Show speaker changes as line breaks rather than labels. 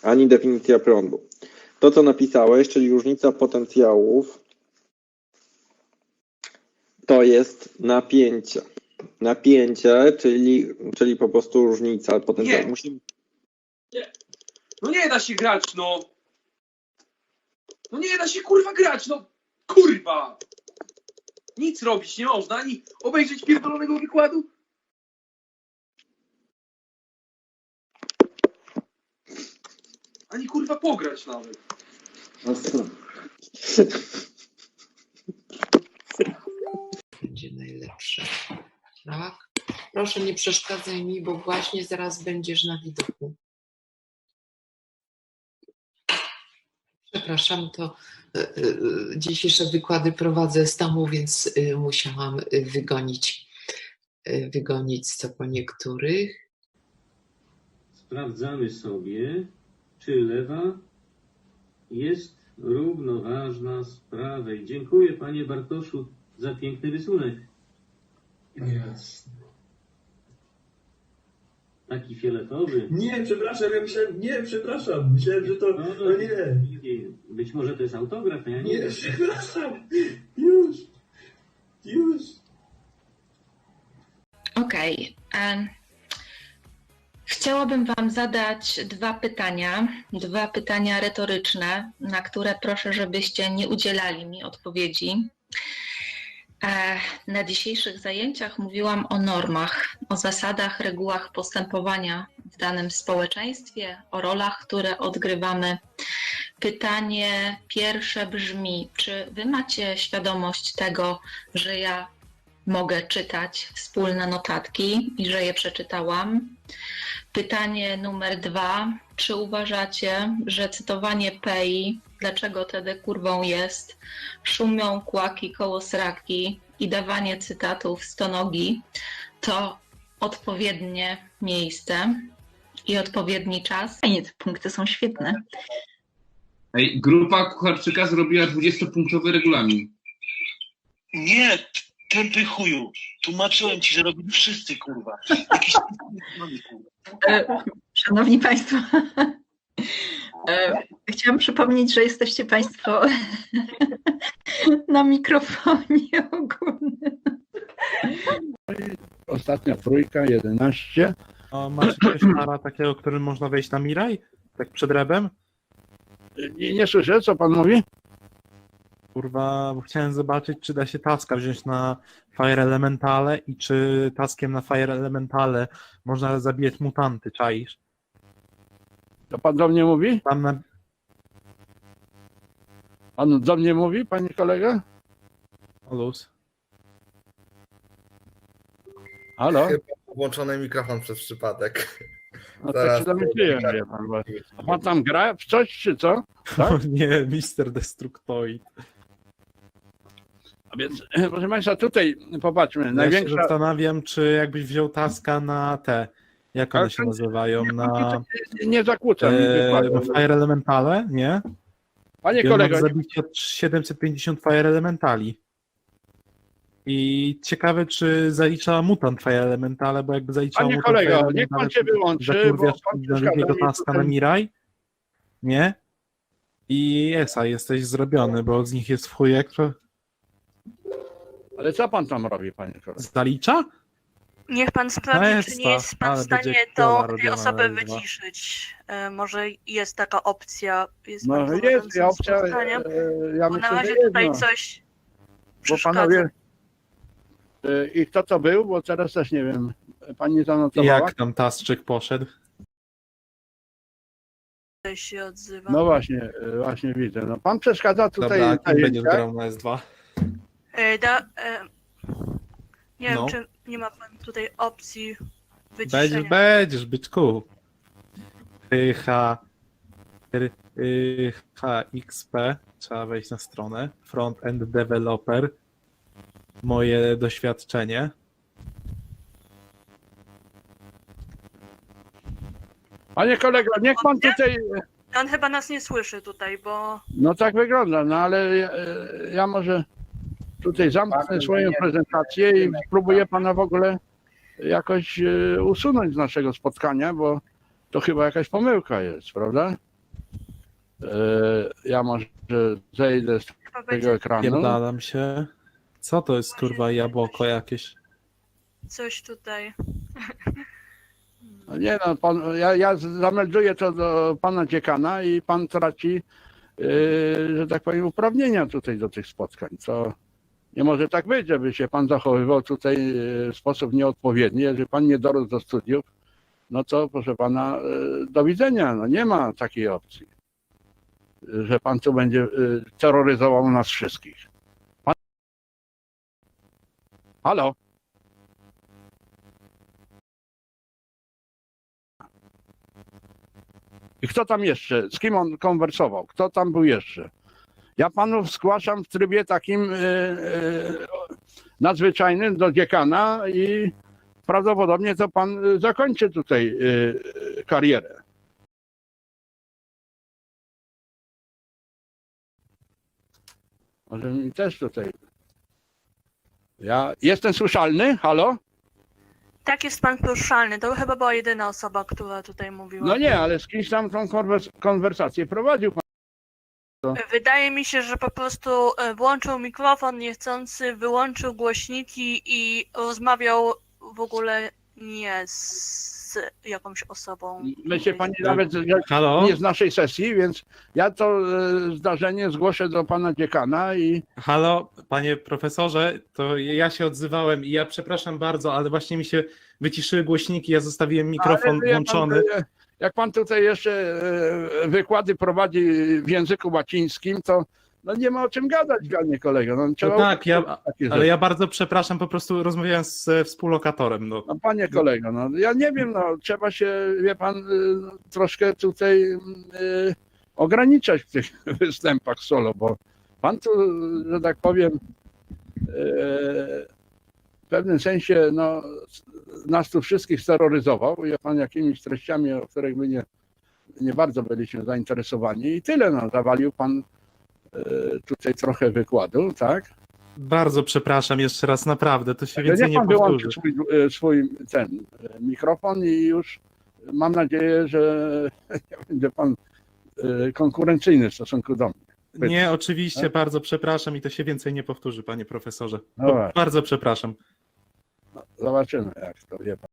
ani definicja prądu. To, co napisałeś, czyli różnica potencjałów, to jest napięcie. Napięcie, czyli po prostu różnica potencjału.
Nie. Nie. No nie da się grać, no. No nie da się kurwa grać, no. Kurwa. Nic robić nie można, ani obejrzeć pierdolonego wykładu. Ani kurwa pograć nawet.
Będzie najlepsze. Tak? Proszę nie przeszkadzaj mi, bo właśnie zaraz będziesz na widoku. Przepraszam, to dzisiejsze wykłady prowadzę z domu, więc musiałam wygonić co po niektórych.
Sprawdzamy sobie, czy lewa jest równoważna z prawej. Dziękuję, panie Bartoszu, za piękny rysunek.
Jasne.
Taki fioletowy.
Nie, przepraszam, ja myślałem, nie, przepraszam, myślałem, że to, no nie.
Być może to jest autograf, ja nie
Nie,
wiem.
przepraszam, już.
Okej. Chciałabym Wam zadać dwa pytania retoryczne, na które proszę, żebyście nie udzielali mi odpowiedzi. Na dzisiejszych zajęciach mówiłam o normach, o zasadach, regułach postępowania w danym społeczeństwie, o rolach, które odgrywamy. Pytanie pierwsze brzmi, czy Wy macie świadomość tego, że ja mogę czytać wspólne notatki i że je przeczytałam? Pytanie numer 2. Czy uważacie, że cytowanie Pei, dlaczego tedy kurwą jest, szumią kłaki koło sraki i dawanie cytatów stonogi to odpowiednie miejsce i odpowiedni czas?
Fajnie, te punkty są świetne.
Ej, grupa Kucharczyka zrobiła 20-punktowy regulamin.
Nie, tępy chuju. Tłumaczyłem ci, że robili wszyscy, kurwa. Jakiś kurwa.
Szanowni Państwo, chciałam przypomnieć, że jesteście Państwo na mikrofonie ogólnym.
Ostatnia trójka, 11.
A masz jakiegoś para takiego, którym można wejść na Miraj? Tak przed rebem?
Nie słyszę, co pan mówi?
Kurwa, bo chciałem zobaczyć, czy da się taska wziąć na Fire Elementale i czy taskiem na Fire Elementale można zabijać mutanty, czaisz?
To pan do mnie mówi?
Tam na...
Pan do mnie mówi, panie kolega?
Luz.
Halo?
Chyba włączony mikrofon przez przypadek.
No tak się domyśliłem, wie pan. Bo... A pan tam gra w coś, czy co? Tak?
O nie, Mister Destructoid.
A więc, proszę państwa, tutaj popatrzmy.
Ja
Największa...
się zastanawiam, czy jakbyś wziął taska na te, jak one się nazywają, na...
Nie zakłócam.
na Fire Elementale, nie?
Panie
I
kolego...
zabicie od 750 Fire Elementali. I ciekawe, czy zalicza mutant Fire Elementale, bo jakby zaliczał
Panie
mutant
kolego,
Fire
niech pan
Elementale,
się wyłączy, bo
zakurwiasz
pan
na
przeszkadza
drugiego
mi
taska
tutaj.
na Miraj, nie? I Esa, jesteś zrobiony, bo z nich jest w chujek, to
Ale co pan tam robi, panie kolego?
zalicza?
Niech pan sprawdzi,
Esta,
czy nie jest pan w
ale będzie
stanie
kiola
tej
robiona
osoby
na dwa.
wyciszyć. Może jest taka opcja. Jest
No
pan
jest
prowadzącym
opcja,
spotkaniem,
ja
bo
myślę,
na
że
razie
jest,
tutaj
no.
coś
Bo
przeszkadza.
panowie... I kto to był? Bo teraz też nie wiem. Pani zanotowała?
Jak tam Tasczyk poszedł?
Tutaj się odzywa.
No właśnie widzę. No, pan przeszkadza tutaj.
Dobra, kim będziesz
zajęciach.
grał na S2?
Nie
No.
wiem, czy nie ma pan tutaj opcji wyciszenia.
Będziesz, byczku. HXP, trzeba wejść na stronę. Front-end developer. Moje doświadczenie.
Panie kolego, niech pan tutaj...
On chyba nas nie słyszy tutaj, bo...
No tak wygląda, no ale ja może tutaj zamknę swoją prezentację i spróbuję pana w ogóle jakoś usunąć z naszego spotkania, bo to chyba jakaś pomyłka jest, prawda? Ja może zejdę z tego ekranu.
Pierdalam się. Co to jest kurwa jabłko jakieś?
Coś tutaj.
No nie no, pan, ja zamelduję to do pana dziekana i pan traci, że tak powiem, uprawnienia tutaj do tych spotkań. Co nie może tak być, żeby się pan zachowywał tutaj w sposób nieodpowiedni. Jeżeli pan nie dorósł do studiów, no to proszę pana, do widzenia. No nie ma takiej opcji, że pan tu będzie terroryzował nas wszystkich. Pan... Halo? I kto tam jeszcze? Z kim on konwersował? Kto tam był jeszcze? Ja panów zgłaszam w trybie takim nadzwyczajnym do dziekana i prawdopodobnie to pan zakończy tutaj karierę. Może mi też tutaj... Ja jestem słyszalny? Halo?
Tak, jest pan poruszalny. To chyba była jedyna osoba, która tutaj mówiła.
No nie, ale z kimś tam tą konwersację prowadził pan.
Wydaje mi się, że po prostu włączył mikrofon niechcący, wyłączył głośniki i rozmawiał w ogóle nie z jakąś osobą.
Myślę pani nawet nie z naszej sesji, więc ja to zdarzenie zgłoszę do pana dziekana i...
Halo, panie profesorze, to ja się odzywałem i ja przepraszam bardzo, ale właśnie mi się wyciszyły głośniki, ja zostawiłem mikrofon włączony.
Jak pan tutaj jeszcze wykłady prowadzi w języku łacińskim, to no nie ma o czym gadać, panie kolego. No,
No tak, ale ja bardzo przepraszam, po prostu rozmawiałem z współlokatorem. No
panie kolego, no ja nie wiem, no trzeba się, wie pan, troszkę tutaj ograniczać w tych występach solo, bo pan tu, że tak powiem, w pewnym sensie no, nas tu wszystkich steroryzował, wie pan, jakimiś treściami, o których my nie bardzo byliśmy zainteresowani i tyle, no, zawalił pan tutaj trochę wykładu, tak?
Bardzo przepraszam jeszcze raz, naprawdę, to się więcej
nie
nie powtórzy.
wyłączy swój ten mikrofon i już mam nadzieję, że nie będzie pan konkurencyjny w stosunku do mnie.
Nie, oczywiście, bardzo przepraszam i to się więcej nie powtórzy, panie profesorze.
No
Bardzo przepraszam.
Zobaczymy, jak to wie pan.